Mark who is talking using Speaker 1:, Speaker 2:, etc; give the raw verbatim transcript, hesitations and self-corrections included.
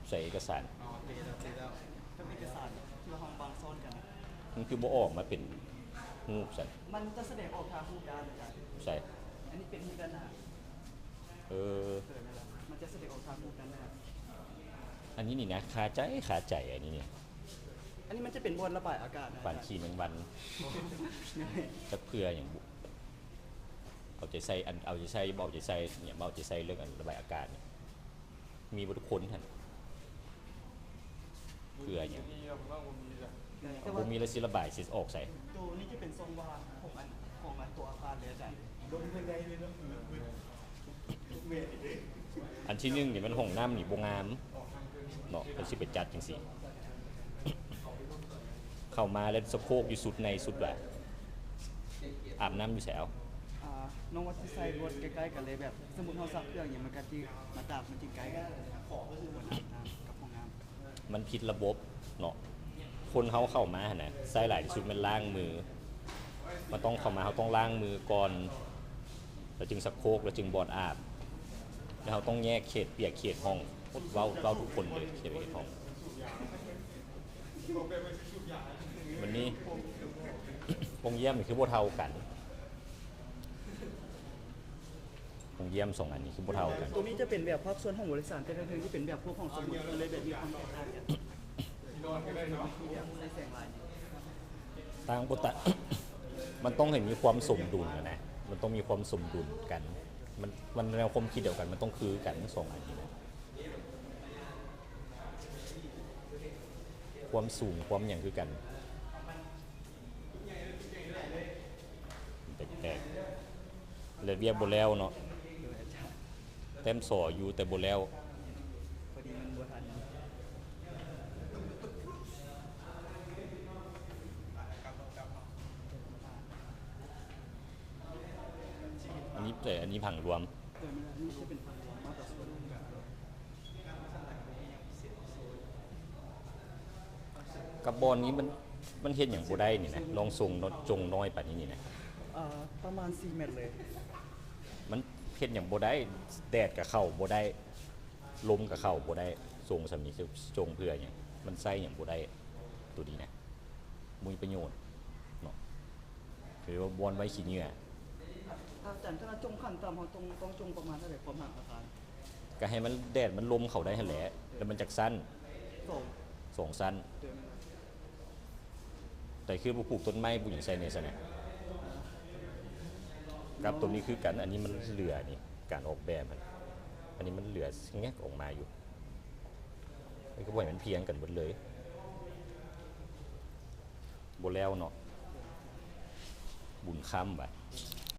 Speaker 1: ใส่เอกสาร
Speaker 2: อ๋อเตะแล้วเตะแล้วถ้าเอกสารที่ว่าห้องบางซ่อนกันนะ
Speaker 1: มันคือบ่ออกมาเป็นรูปสัน
Speaker 2: มันจะแสดงออกทางรูปด้านอาจารย์
Speaker 1: ใส่
Speaker 2: อันนี้เป็นรูปด้านหน้า
Speaker 1: เออ
Speaker 2: เกิดนั่นแหละมันจะแสดงออกทางรูปด้านหน้า
Speaker 1: อันนี้นี่นะคาใจคาใจอันนี้เนี่ย
Speaker 2: อันนี้มันจะเป็นบนระบายอากาศนะ
Speaker 1: ฝันขี่แมงวันจะเพื่ออย่างบุเอาใจใส่อันเอาใจใส่เบาใจใส่เนี่ยเบาใจใส่เรื่องอันระบายอากาศมีบุตรคนท่านเพื่ออย่างผมมีแล้วสิระบายสิออกใส่
Speaker 2: ตัวนี้จะเป็นทรงวางของอันของอันตัวอาคารเลยอาจารย์โดนยังไงเลยนะ
Speaker 1: อันที่หนึ่งเนี่ยมันห้องน้ำนี่บงงามเนาะเป็นสิเป็นจัดจริงสิเข้ามาแล้วสะโพกอยู่สุดในสุดแบบอาบน้ำอยู่แถว
Speaker 2: น้องวัดที่ใส่รถใกล้ๆกันเลยแบบสมุนเขาซักเครื่องอย่างมันก็ที่มาตากมันจริงไกลกันขอก็คือบนน้ำกับห้องน้
Speaker 1: ำมันผิดระบบเนาะคนเขาเข้ามาเนี่ยใส่หลายที่สุดมันล้างมือมันต้องเข้ามาเขาต้องล้างมือก่อนแล้วจึงสักโคกแล้วจึงบอดอาบแล้วเขาต้องแยกเขตเปียกเขตห้องเว้าเว้าทุกคนเลยเขตเปียกห้องวันนี้วงเยี่ยมคือโบเท่ากันวงเยี่ยมสองอันนี้คือโบเท่ากัน
Speaker 2: ตัวนี้จะเป็นแบบภาพส่วนของบริษัทแต่ละเรื่องที่เป็นแบบพวกของสมุดเลยแบบมีความแตกต่างกัน
Speaker 1: ต่างปกติมันต้องเห็นมีความสมดุลนะมันต้องมีความสมดุลกันมันมันแนวความคิดเดียวกันมันต้องคือกันทั้งสองอันนี้นะความสูงความอย่างคือกันแตกๆเลยเรียกโบแล้วเนาะเต็มสออยู่แต่โบแล้ว
Speaker 2: พอดีมันบัวทัน
Speaker 1: อันนี้แต่อันนี้ผังรวมกับบอลนี้มันมันเห็นอย่างโบได้นี่นะลองทรงจงน้อยป่านนี้นี่นะ
Speaker 2: ประมาณสี่เมตรเลย
Speaker 1: มันเห็นอย่างโบได้แดดกับเข่าโบได้ลมกับเข่าโบได้ทรงสำนีจงเพื่ออย่างมันไส้อย่างโบได้ตัวนี้นะมีประโยชน์เนาะคือว่าบอลไว้ขี้เหงื่อ
Speaker 2: อาจารย์ถ้าจงขั้นต่ำเขาต้องต้องจงประมาณเท่าไหร่ความห่างอาคาร
Speaker 1: ก็ให้มันแดดมันลมเข่าได้แหละแล้วมันจากสั้น
Speaker 2: สอง
Speaker 1: สองสั้นแต่คือปลูกต้นไม้ปลูกอย่างไซเนสเนี่ยกับตัวนี้คือกันอันนี้มันเหลือนี่การออกแบบมันอันนี้มันเหลือแงกออกมาอยู่มันก็บ่อยมันเพียงกันหมดเลยโบแล้วเนาะบุญคำไป